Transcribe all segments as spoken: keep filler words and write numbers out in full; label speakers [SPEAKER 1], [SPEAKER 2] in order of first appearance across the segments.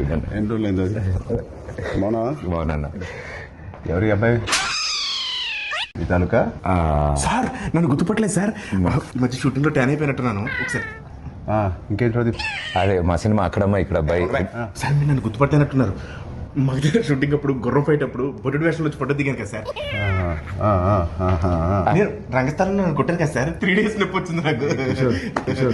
[SPEAKER 1] అయిందండి.
[SPEAKER 2] ఎన్ని రోజులు అయింది అది? మౌనా
[SPEAKER 1] బాగున్నా.
[SPEAKER 2] ఎవరి అబ్బాయి ఈ తాలూకా?
[SPEAKER 3] సార్ నన్ను గుర్తుపట్టలేదు సార్. ఈ మధ్య షూటింగ్ లో ట్యాన్ అయిపోయినట్టున్నాను. ఒకసారి
[SPEAKER 2] ఇంకేంటి ప్రదీప్?
[SPEAKER 1] అదే మా సినిమా అక్కడమ్మా ఇక్కడ అబ్బాయి.
[SPEAKER 3] సార్ మీరు నన్ను గుర్తుపట్టినట్టున్నారు. మా దగ్గర షూటింగ్ అప్పుడు గుర్రం ఫైట్ అప్పుడు బొడ్డు వేషంలో వచ్చి ఫోటో దిగాను కదా సార్.
[SPEAKER 2] ఆ, ఆ, ఆ, ఆ, ఆ.
[SPEAKER 3] నేను రంగస్థలంలో నన్ను కొట్టాను కదా సార్. త్రీ డేస్ నొప్పి వచ్చింది నాకు.
[SPEAKER 2] కిషోర్, కిషోర్.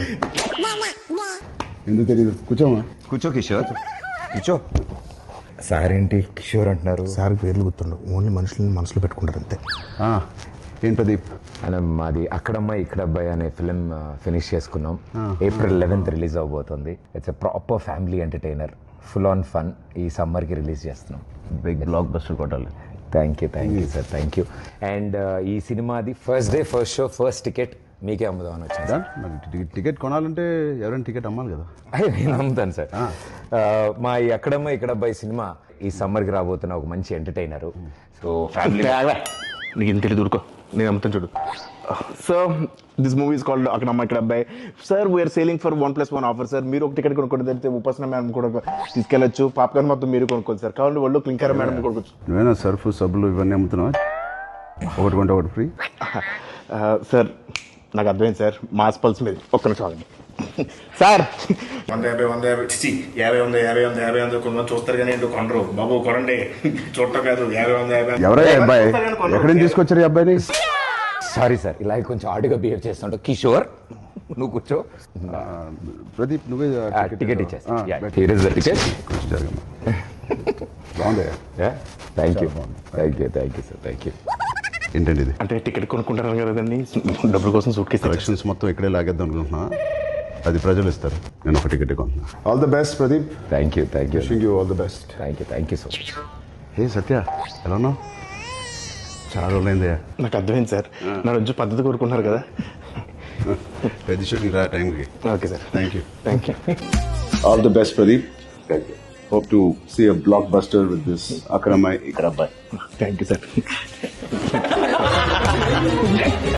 [SPEAKER 2] ఎందుకు తెలియదు? కూర్చోమా.
[SPEAKER 1] కూర్చో కిషోర్, కూర్చో. సార్ ఏంటి కిషోర్ అంటున్నారు?
[SPEAKER 3] సార్ పేర్లు గుర్తుండవు, ఓన్లీ మనుషులని మనసులో పెట్టుకుంటారు అంతే.
[SPEAKER 2] ఆ, ఏం ప్రదీప్?
[SPEAKER 1] అలా మాది అక్కడమ్మాయి ఇక్కడ అబ్బాయి అనే ఫిలిం ఫినిష్ చేసుకున్నాం. ఏప్రిల్ లెవెన్త్ రిలీజ్ అవబోతుంది. It's a proper family entertainer, full on fun. ఈ సమ్మర్కి రిలీజ్ చేస్తున్నాం.
[SPEAKER 2] బిగ్ బ్లాక్ బస్టర్ కొట్టాలి.
[SPEAKER 1] Thank you thank you sir, thank you. And ఈ సినిమాది first day first show first ticket మీకే అమ్ముదామని వచ్చింది సార్.
[SPEAKER 2] మరి టి- టికెట్ కొనాలంటే ఎవరైనా టికెట్ అమ్మాలి కదా.
[SPEAKER 1] అయ్యో, నేను అమ్ముతాను సార్. ఆ, మా ఈ అక్కడమ్మ ఇక్కడ అబ్బాయి సినిమా ఈ సమ్మర్కి రాబోతున్న ఒక మంచి ఎంటర్టైనర్. సో ఫ్యామిలీ
[SPEAKER 3] నీకు ఇంత తెలియదు, ఊరుకో. నేను అమ్ముతాను చూడు. Sir this movie is called Akkadamma Ikkada Abbayi. Sir we are selling for one plus one offer sir. మీరు ఒక టికెట్ కొనుక్కోండి, తెలిస్తే ఉపాసన మేడం కూడా తీసుకెళ్ళచ్చు. పాప్కార్న్ మొత్తం మీరు కొనుక్కోండి సార్. కావాలి వాళ్ళు క్లింకర్ మేడం కొనుక్కోవచ్చు.
[SPEAKER 2] నువ్వేనా సర్ఫ్ సబ్బులు ఇవన్నీ అమ్ముతున్నావా? ఒకటి కొంటే ఒకటి ఫ్రీ.
[SPEAKER 3] సార్ నాకు అర్థమైంది సార్, మాస్ పల్స్ మీద. ఒక్క నిమిషం ఆగండి సార్. వంద యాభై వంద యాభై చిచి యాభై వంద యాభై వంద యాభై వంద కొంతమంది చూస్తారు కానీ ఏంటో కొనరు. బాబు కొనండి, చూడటం కాదు. యాభై వంద యాభై
[SPEAKER 2] ఎవరయ్యా అబ్బాయి? ఎక్కడి నుంచి తీసుకొచ్చారు ఈ అబ్బాయిని?
[SPEAKER 1] సారీ సార్, ఇలా కొంచెం ఆడుగా బిహేవ్ చేస్తుంటా. కిషోర్ నువ్వు కూర్చో.
[SPEAKER 2] ఆ, ప్రదీప్ నువ్వే
[SPEAKER 1] టికెట్ ఇచ్చేస్తా. Here is the ticket.
[SPEAKER 2] బాగుంది.
[SPEAKER 1] Thank you thank you thank you sir, thank you.
[SPEAKER 2] ఏంటండి ఇది?
[SPEAKER 3] అంటే టికెట్ కొనుక్కుంటారు కదండి, డబ్బుల కోసం సూట్ కేసు
[SPEAKER 2] కలెక్షన్స్ మొత్తం ఇక్కడే లాగేద్దాం అనుకుంటున్నా. అది ప్రజలు ఇస్తారు, నేను ఒక టికెట్ కొంటున్నా. All the best Pradeep.
[SPEAKER 1] Thank you thank you
[SPEAKER 2] wishing you all the best.
[SPEAKER 1] Thank you thank you so much.
[SPEAKER 2] Hey Satya, ఎలా ఉన్నావు? చాలా రోజులైందయ్యా.
[SPEAKER 3] నాకు అర్థమైంది సార్, నా రోజు పద్ధతి కోరుకుంటున్నారు కదా.
[SPEAKER 2] పెద్ద షూటింగ్ రా టైంకి.
[SPEAKER 3] Okay sir,
[SPEAKER 2] thank you.
[SPEAKER 3] Thank you.
[SPEAKER 2] All the best Pradeep. Thank you. Hope to see a blockbuster with this Akkada Ammayi Ikkada Abbayi.
[SPEAKER 3] Thank you sir.